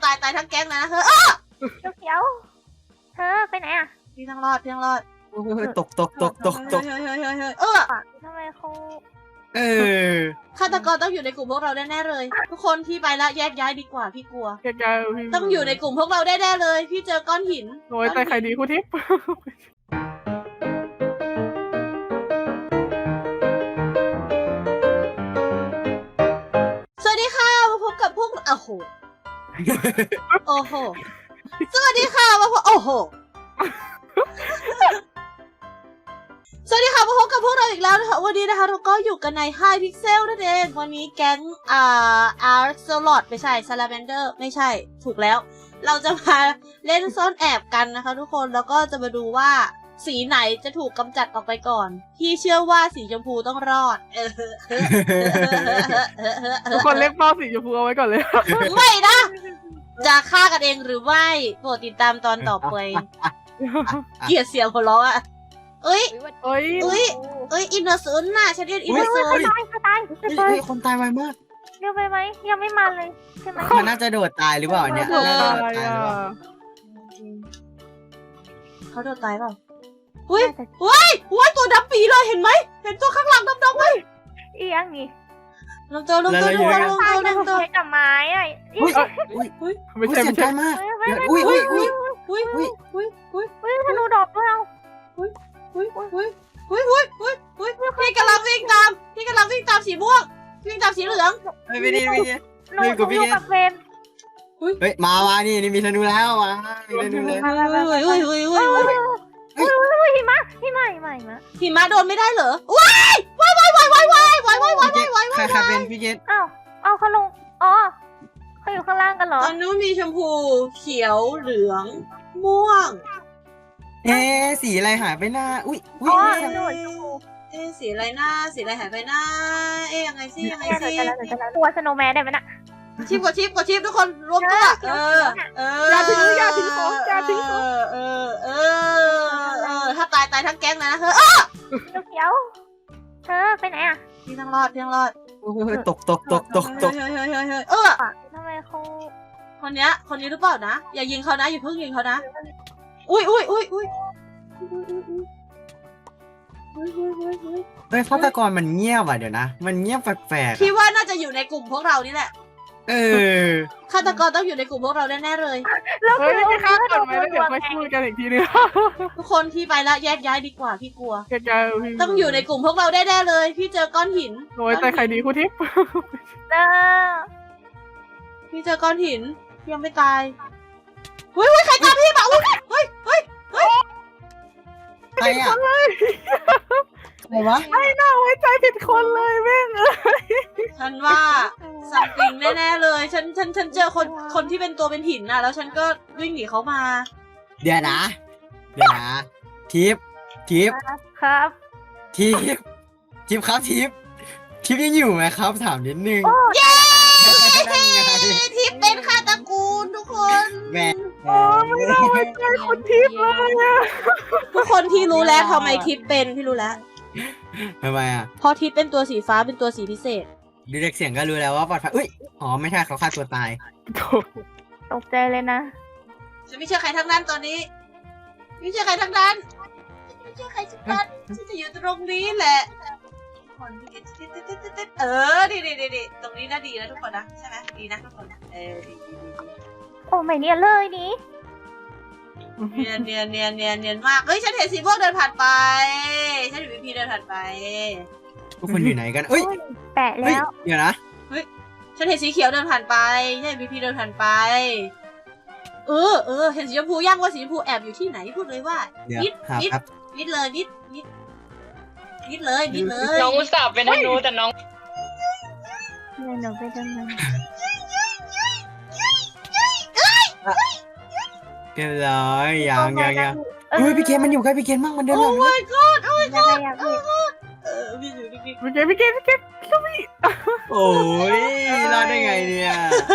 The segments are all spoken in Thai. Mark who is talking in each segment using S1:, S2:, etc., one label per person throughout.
S1: ตายทั้งแก๊งนะเธอ
S2: เขียวเธอไปไหนอ่ะ
S1: พี่ต้องรอด
S3: ตก
S1: เฮ้ย
S2: ทำไมเขา
S1: ฆาตกรต้องอยู่ในกลุ่มพวกเราแน่ๆเลย ทุกคนที่ไปละแยกย้ายดีกว่าพี่กลัวต้องอยู่ในกลุ่มพวกเราแน่ๆเลยพี่เจอก้อนหิน
S4: โอ้ยใจใครดีคุณทิพย์
S1: สวัสดีค่ะมาพบกับพวกโอ้โหสวัสดีค่ะมาพบสวัสดีค่ะมาพบกับพวกเราอีกแล้วนะคะวันนี้นะคะเราก็อยู่กันใน High Pixel นั่นเองวันนี้แก๊งAxolot ไม่ใช่ Salamander ไม่ใช่ถูกแล้วเราจะมาเล่นซ่อนแอบกันนะคะทุกคนแล้วก็จะมาดูว่าสีไหนจะถูกกำจัดออกไปก่อนพี่เชื่อว่าสีชมพูต้องรอด
S4: ทุกคนเรียกพ่อสีชมพูเอาไว้ก่อนเลย
S1: ไม่นะจะฆ่ากันเองหรือไม่โปรดติดตามตอนต่อไปเกลียดเสียงหัวเราะอ่ะเอ้ยอินเนอร์ซูนน่ะฉันเรียกอินเนอร์ซูน
S2: ตาย
S3: คนตายไวมาก
S2: เร็วไปไหมยังไม่มาเลยใช่ไหม
S3: มันน่าจะโดดตายหรือเปล่าเนี่ย
S1: เขาโดดตายเปล่าอุ้ยตัวดำปีเลยเห็นไหมเห็นตัวข้างหลังดำๆไหม
S2: อีอังนี่
S1: ลงตัว
S2: กับไม้อ่ะ
S4: ไม่ใช่
S3: ใกล้มากอุ้ย
S2: ธนูดอกด้วยเอา
S1: พี่กำลังวิ่งตามสีม่วงวิ่งตามสีเหลือง
S3: ไม่ดี
S2: หนูอยู่กับเฟรม
S3: เฮ้ยมานี่มีธนูแล้วมามีธนูเลย
S1: หิมะโดนไม่ได้เหรอว้าย
S3: ใครเป็นพี่เกต
S2: เอาเขาลงอ๋อเขาอยู่ข้างล่างกันเหรอ
S1: ตอนนู้นมีชมพูเขียวเหลืองม่วง
S3: สีอะไรหายไปหน้าอุ้ย
S1: สีอะไรหน้าสีอะไรหายไปหน้ายังไงสิ
S2: ตัวสโนว์แมนได้ไหมน่ะ
S1: กดชิปทุกคนรวมตัว
S4: อย่าทิ้งของ
S1: ถ้าตายทั้งแก๊งนะเธอ
S2: เขียวเธอไปไหนอ่ะ
S1: พี่ต้องรอด
S3: ตก
S2: ทำไมเขา
S1: คนนี้หรือเปล่านะอย่ายิงเขานะอย่าเพิ่งยิงเขานะอุ้ย
S3: ฆาตกรมันเงียบอ่ะเดี๋ยวนะมันเงียบแปลก
S1: ๆพี่ว่าน่าจะอยู่ในกลุ่มพวกเรานี่แหละฆาตกรต้องอยู่ในกลุ่มพวกเราแน่ๆเลย
S2: แล้ว
S4: จะฆ่าก่อนไหมแล้วเดี๋ยวค่อยพูดกันอีกทีนึง
S1: ทุกคนที่ไปละแยกย้ายดีกว่าพี่กลัวต้องอยู่ในกลุ่มพวกเราแน่ๆเลยพี่เจอก้อนหิน
S4: โอ้ยใจใครดีคุณทิพย์
S1: พี่เจอก้อนหินยังไม่ตายเฮ้ยใครตามพี่มาเฮ้ย
S3: ใครอ่ะใครวะ
S4: ไม่น่าไว้ใจผิดคนเลยแม่ง
S1: ฉันว่าสัมติงแน่ๆเลยฉันเจอคนที่เป็นตัวเป็นหินน่ะแล้วฉันก็วิ่งหนีเขามา
S3: เดี๋ยวนะทิป
S2: ครับ
S3: ทิปยังอยู่ไหมครับถามนิดนึง
S1: เย้ทิปเป็นฆาตกูลทุกคน
S4: ไม่น่าไว้ใจคนทิปเลย
S1: ทุกคนที่รู้แล้วทำไมทิปเป็นพี่รู้แล้ว
S3: ทำไมอ่ะ
S1: เพราะทิปเป็นตัวสีฟ้าเป็นตัวสีพิเศษ
S3: ดูจากเสียงก็รู้แล้วว่าปลอดภัยไม่ใช่เขาฆ่าตัวตาย
S2: ตกใจเลยนะ
S1: ฉันไม่เชื่อใครทั้งนั้นตอนนี้ไม่เชื่อใครทั้งนั้นฉันจะอยู่ตรงนี้แหละดีตรงนี้น่าดีนะทุกคนนะใช่ไหมดีนะทุกคนดี
S2: โอ้ไม่เนียนเลยนี่
S1: เนียนมากเฮ้ยฉันเห็นสีม่วงเดินผ่านไปฉันเห็นพีเดินผ่านไป
S3: ทุกคนอยู่ไหนกัน
S2: แปะแล้ว
S3: เดี๋ยวนะ
S1: ฉันเห็นสีเขียวเดินผ่านไปฉันเห็นพีเดินผ่านไปเห็นสีชมพูย่างว่าสีชมพูแอบอยู่ที่ไหนพูดเลยว่ามิดเลย
S5: น้องอุตส่าห์เป็นธนูแต่น้อง
S2: หนูไปทำไม
S3: เรียบร้อยยังพี่เกมมันอยู่ใกล้พี่เกมมากมันเดินหลัง
S1: โอ้ my god
S4: พี่เกม
S3: โอ้ยรอดได้ไงเนี่ย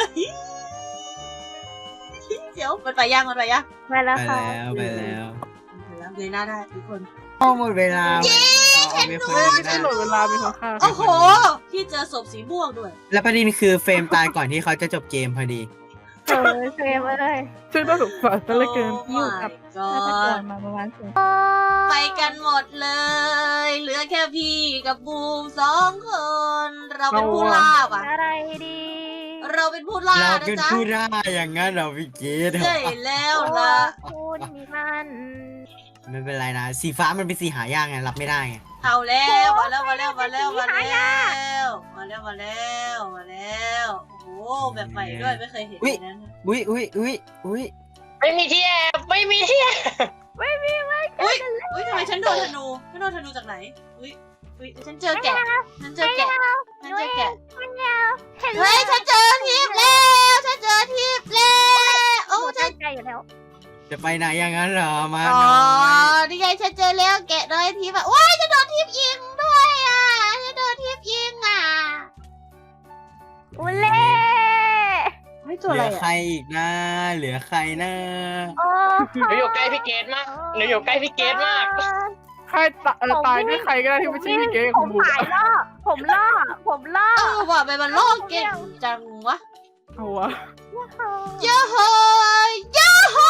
S1: เดี๋ยวมันไปยัง
S2: ไปแล้วค่ะ
S3: ไปแล้ว
S1: เลยหน้าได้ทุกคน
S3: หมดเวลา
S4: ไม่ใช่หมดเวลาเป็นของข้า
S1: โอ้โหพี่เจอศพสีม่วงด้วย
S3: แล้วประเด็นคือเฟรมตายก่อนที่เขาจะจบเกมพอดี
S2: เฟรมเอ้ย
S4: ซึ่งน่าสงสารซะเหลือเกิน
S1: อยู่กับ
S2: ฆาตกรมาประมาณสิบ
S1: ไปกันหมดเลย เหลือแค่พี่กับบูม2 คน เราเป็นผู้ล่าว่ะ
S2: อะไรดี
S1: เราเป็นผู้ล่า
S3: เรา
S1: นะ
S3: เป็น
S1: จ๊ะ
S3: ผู้ได้อย่างนั้นเหราพี่เกด
S1: ใช่แล้ว
S2: โอ้
S1: ล่ะ
S2: คุณมีมัน
S3: ไม่เป็นไรนะสีฟ้ามันเป็นสีหายากไงรับไม่ได้ไง
S1: เอาแล้วมาแล้วมาแล้วมาแล้วมาแล้วมาแล้วมาแล้วมาแล้วโอ้โหแบบใหม่ด้วยไม่เคยเห็นแบบนั้น
S3: อุ้ยอุ้ยอุ้ยอุ้ย
S5: ไม่มีที่แอบไม่มีที่แอบ
S1: อุ้ยทำไมฉันโดนธนูจากไหนอุ้ยฉันเจอแกะฉันเจอแกะ
S2: มันยาวเห็น
S1: เฮ้ยฉันเจอทิพย์แล้วฉันเจอทิพย์แล้วโอ้
S2: ฉั
S1: ฉั
S2: น
S1: น
S2: ใจอยู่แล้ว
S3: จะไปไหนอย่างนั้นเหรอมา
S1: อ๋อ
S3: หน่อย
S1: นี่ไงฉันเจอแล้วแกะน้อยทิพย์อ่ะว้ายฉันโดนทิพย์ยิงด้วยอ่ะฉันโดนทิพย์ยิงอ่ะ
S2: อุเล่
S1: ไม่
S3: เห
S1: ตัวอะไร
S3: ลือใคร
S1: อ่ะ
S3: อีกนะเหลือใครนะ
S2: โอ้
S5: หนูอยู่ใกล้พี่เกดมากหนูอยู่ใกล้พี่เกดมาก
S4: ใครตายด้วยใครก็ได้ที่ไม่ใช่พี่เก๋
S2: ผ
S4: ของ
S2: ม
S4: บูม
S2: หายล่อผมล่อ
S1: เออว่ะไปมันโลกเก่งจังวะ
S4: เอาวะ
S1: ยาโฮยาโฮ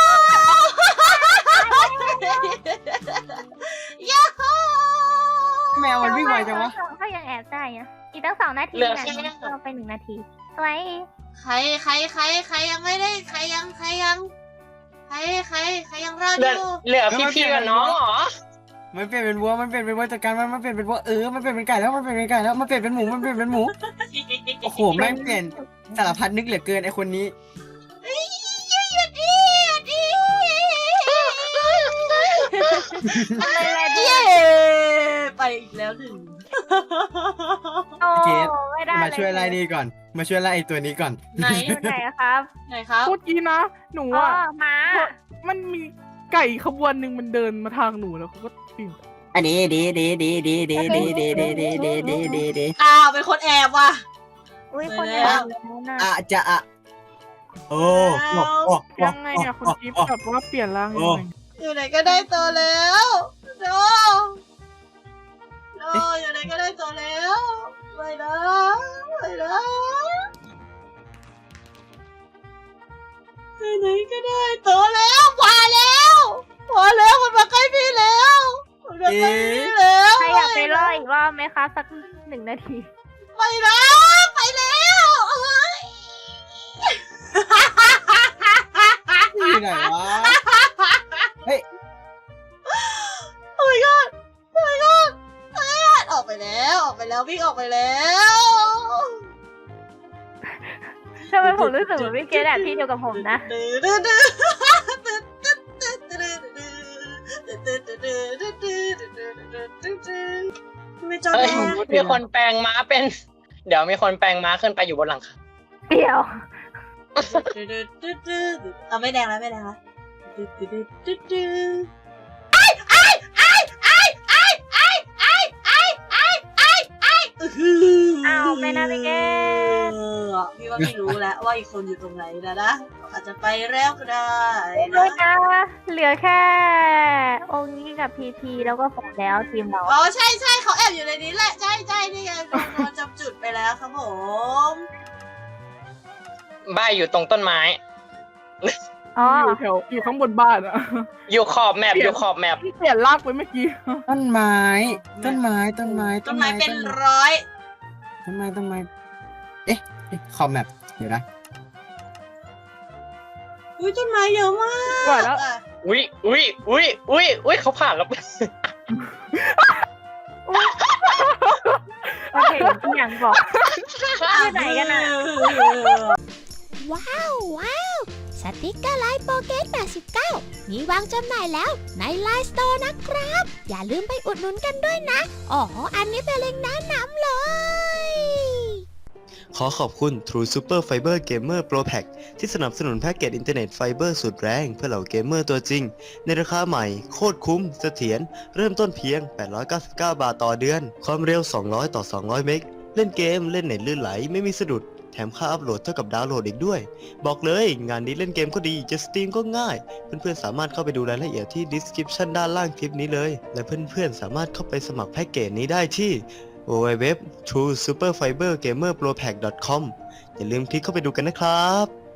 S1: ยาโฮ
S3: แมวมันวิ่งไวจังวะ
S2: ก็ยังแอบได้อะอีกตั้ง2 นาที
S5: เหลือ
S2: นะ
S5: แค่
S2: เราไป1 นาทีไว้
S1: ใครยังไม่ได้ใครยังรอด
S5: เหลื
S1: อ
S5: อยู่ เหลือพี่กับน้องเหรอ
S3: มันเปลี่ยนเป็นวัวมันเปลี่ยนเป็นวัวจัดการมันเปลี่ยนเป็นวัวมันเปลี่ยนเป็นไก่แล้วมันเปลี่ยนเป็นไก่แล้วมันเปลี่ยนเป็นหมูมันเปลี่ยนเป็นหมูโอ้โหแม่งเปลี่ยนสารพัดนึกเหลือเกินไอคนนี้
S1: หยุดดิเย้ไปอีกแล้วหนึ่ง
S2: โอ้
S3: เกรด
S2: ไม่ได้
S3: มาช่วยไล่นี่ก่อน มาช่วยไล่ไอตัวนี้ก่อน
S1: ไหน
S2: อยู่ไหนอะครับ
S1: ไหนครับ
S4: พูดกี้นะ หนู
S2: อ๋อ
S4: อ่ะ
S2: ม้า
S4: มันมีไก่ขบวนหนึ่งมันเดินมาทางหนูแล้วเขาก็ปิ้ง
S3: อันนี้ดี
S1: อ้าวเป็นคนแอบว่ะ
S2: อุ้ยคน
S1: แล้
S2: เดียว
S1: ว
S2: นะ
S3: อาจจะโอ้
S4: ยังไงอะคุณจิ๊บแบบว่าเปลี่ยนร่างยังไง
S1: อยู่ไหนก็ได้ตัวแล้วโนอยู่ไหนก็ได้ตัวแล้วไปนะไปไหนก็ได้ตัวแล้วมาแล้วมันมาใกล้พี่แล้วมันมาใกล้พี่แล้ว
S2: ใครอยากไปล่ออีกรอบไหมคะสัก1 นาที
S1: ไปแล้ว
S3: ที่ไหนวะเฮ้ย
S1: โอ้ my god ออกไปแล้ววิ่งออกไปแล้ว
S2: ทำไมผมรู้สึกเหมือนพี่เกดแอบที่เดียวกับผมนะ
S1: ไม่จอด
S5: เฮ้ย
S1: แล้ว
S5: มีคนแปลงม้าเป็น เดี๋ยวมีคนแปลงม้าขึ้นไปอยู่บนหลังคา
S2: เดี๋ยว
S1: เอาไม่แดงแล้ว
S2: อ้าวไม่น่าไปแก้
S1: พี่ว่าไม่รู้แล้วว่าอีกคนอยู่ตรงไหนนะอาจจะไปแล้วก็ได้
S2: ด้วยนะเหลือแค่องค์นี้กับพีพีแล้วก็ผมแล้วทีมเรา
S1: อ๋อใช่เขาแอบอยู่ในนี้แหละใช่นี่ไงโดนจำจุดไปแล้วครับผม
S5: บ้านอยู่ตรงต้นไม้
S2: อ๋อ
S4: อยู่ข้างบนบ้านอะ
S5: อยู่ขอบแมป
S4: เปลี่ยน
S5: อยู่ขอบแมป
S4: ที่เปลี่ยนร่างไปเมื่อกี้
S3: ต้นไม้
S1: ต้นไม้เป็นร้อย
S3: ต้นไม้เอ๊ะคอมแมปเดี๋ยวนะ
S1: อุ้ยต้นไม้เยอะมาก
S4: กว่าแล้ว
S5: อุ้ยเขาผ่านแล้ว
S2: โอเคที่อย่างบอก อยู่ไหนกันอะ
S6: ว้าวสติกเกอร์ไลน์โปเกต89 มีวางจำหน่ายแล้วในไลน์สโตร์นะครับ อย่าลืมไปอุดหนุนกันด้วยนะ อ๋อ อันนี้เป็นเล็งก์แนะนำเลย
S7: ขอขอบคุณ True Super Fiber Gamer Pro Pack ที่สนับสนุนแพ็กเกจอินเทอร์เน็ตไฟเบอร์สุดแรงเพื่อเหล่าเกมเมอร์ตัวจริง ในราคาใหม่โคตรคุ้มเสถียรเริ่มต้นเพียง 899 บาทต่อเดือน ความเร็ว 200 ต่อ 200 เมกเล่นเกมเล่นเน็ตลื่นไหลไม่มีสะดุด แถมค่าอัพโหลดเท่ากับดาวน์โหลดอีกด้วย บอกเลยงานนี้เล่นเกมก็ดีจะสตรีมก็ง่าย เพื่อนๆสามารถเข้าไปดูรายละเอียดที่ description ด้านล่างคลิปนี้เลยและเพื่อนๆสามารถเข้าไปสมัครแพ็กเกจนี้ได้ที่ www.truesuperfibergamerpropack.com อย่าลืมคลิกเข้าไปดูกันนะครับ